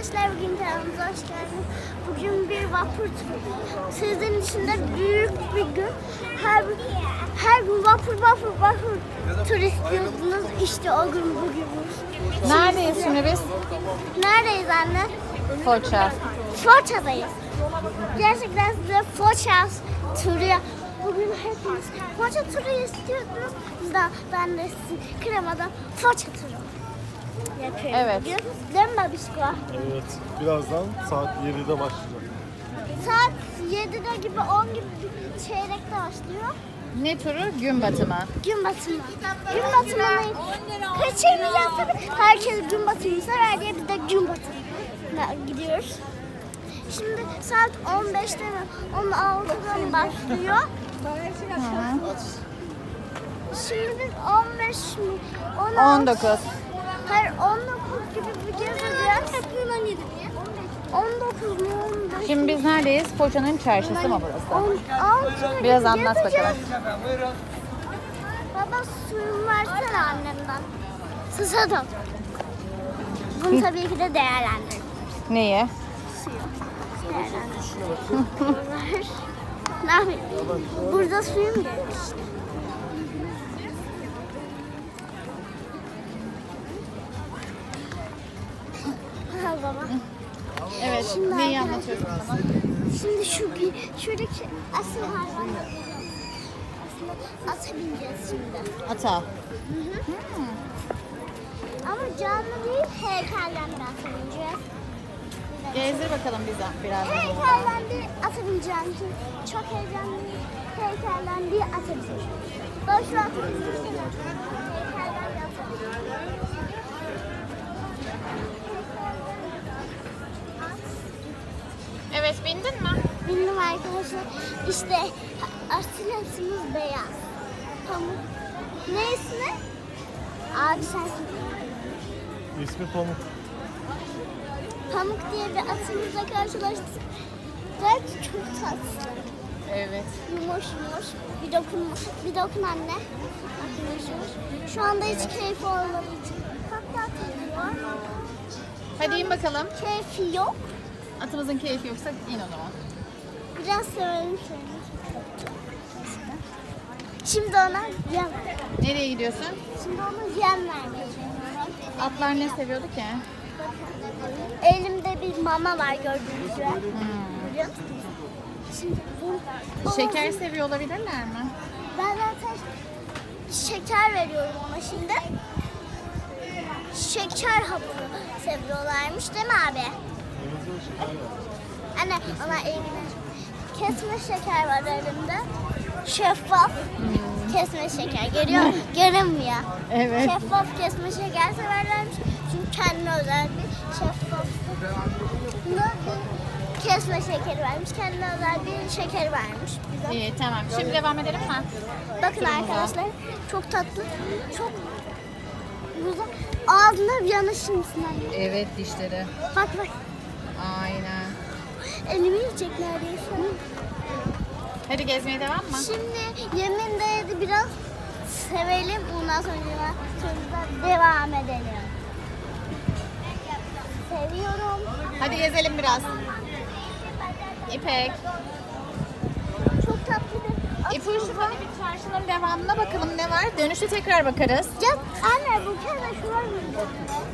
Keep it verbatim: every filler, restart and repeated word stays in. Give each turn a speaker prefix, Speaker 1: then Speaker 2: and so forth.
Speaker 1: arkadaşlar, bugün kanalımıza hoş geldiniz. Bugün bir vapur turu. Sizin için de büyük bir gün. Her, her gün vapur vapur vapur tur istiyordunuz. İşte o gün bugünmüş.
Speaker 2: Neredeyiz şimdi biz?
Speaker 1: Neredeyiz anne?
Speaker 2: Foça.
Speaker 1: Foça'dayız. Gerçekten size Foça turu. Bugün hepiniz Foça turu istiyordunuz. Biz de, ben de sizin kremadan Foça turu yapıyorum.
Speaker 2: Evet.
Speaker 1: Bugün. Değil mi babişko?
Speaker 3: Evet, birazdan saat yedide başlayacak.
Speaker 1: Saat yedide gibi on gibi bir çeyrekte başlıyor.
Speaker 2: Ne turu? Gün batımı.
Speaker 1: Gün batımı. Gün batımını kaçırmayacağız tabii. Herkes gün batımını sever diye biz de gün batımına gidiyoruz. Şimdi saat on beşte mi? on altıda başlıyor. Şimdi biz on beş mi? on altı
Speaker 2: on dokuz.
Speaker 1: Hayır on dokuz gibi bir gezeceğiz. on yedi diye. on dokuz mu on beş?
Speaker 2: Şimdi biz neredeyiz? Foça'nın çarşısı mı burası?
Speaker 1: on altı
Speaker 2: Biraz anlat
Speaker 1: gezeceğiz.
Speaker 2: bakalım.
Speaker 1: Baba suyumu versene annemden. Susadım. Bunu tabii ki de değerlendirin.
Speaker 2: Neyi?
Speaker 1: Suyu. Değerlendirin. Ne yapayım? Burada suyum gelmiş. Ha baba.
Speaker 2: Evet.
Speaker 1: Şimdi
Speaker 2: Neyi
Speaker 1: arkadaşlar-
Speaker 2: anlatıyorsun bana?
Speaker 1: Şimdi şu şuradaki asıl hayvanlar. Aslında ata bineceğiz şimdi.
Speaker 2: Ata.
Speaker 1: Ama canlı değil, heykelden bir ata bineceğiz.
Speaker 2: Gezdir bakalım bize biraz.
Speaker 1: Heykelden bir ata bineceğim ki çok heyecanlıyım. Heykelden bir ata bineceğim. Ben şu an heykelden bir ata bineceğim.
Speaker 2: Evet, bindin mi?
Speaker 1: Bindim arkadaşlar. İşte atletimiz beyaz. Pamuk. Ne ismi? Abi sensin.
Speaker 3: İsmi Pamuk.
Speaker 1: Pamuk diye bir atımızla karşılaştık. Ve çok tatlı.
Speaker 2: Evet.
Speaker 1: Yumuş yumuş. Bir dokun, bir dokun anne. Bak yumuş yumuş. Şu anda hiç keyfi olmadığı için. Hatta atılıyor.
Speaker 2: Hadi in bakalım.
Speaker 1: Keyfi yok.
Speaker 2: Atımızın keyfi yoksa in o zaman.
Speaker 1: Biraz sevelim şöyle. Şimdi ona yem.
Speaker 2: Nereye gidiyorsun?
Speaker 1: Şimdi ona yem vermeyeceğim.
Speaker 2: Atlar ne seviyordu ki?
Speaker 1: Elimde bir mama var gördüğünüz gibi. Görüyor musunuz? Şimdi bu
Speaker 2: Şeker seviyor olabilirler mi?
Speaker 1: Ben zaten şeker veriyorum ona şimdi. Şeker hapı seviyorlarmış değil mi abi? Anne ona elimde kesme şeker var elimde. Şeffaf kesme şeker. Görüyor musun? Görünmüyor.
Speaker 2: Evet.
Speaker 1: Şeffaf kesme şeker severlermiş. Çünkü kendine özel bir şeffaf bir kesme şekeri vermiş. Kendine özel bir şeker vermiş bize.
Speaker 2: İyi, tamam. Şimdi devam edelim mi?
Speaker 1: Bakın arkadaşlar çok tatlı, çok güzel. Ağzına bir yanışır mısın anne?
Speaker 2: Evet, dişleri.
Speaker 1: Bak bak,
Speaker 2: Aynen.
Speaker 1: elimi yiyecek neredeyse.
Speaker 2: Hadi gezmeye devam mı?
Speaker 1: Şimdi yemin de biraz sevelim, ondan sonra sonra devam edelim. Seviyorum.
Speaker 2: Hadi gezelim biraz. İpek.
Speaker 1: Çok tatlı bir
Speaker 2: İpucu hadi bir çarşının devamına bakalım ne var. Dönüşte tekrar bakarız.
Speaker 1: Ya anne bu kere şuraya mı?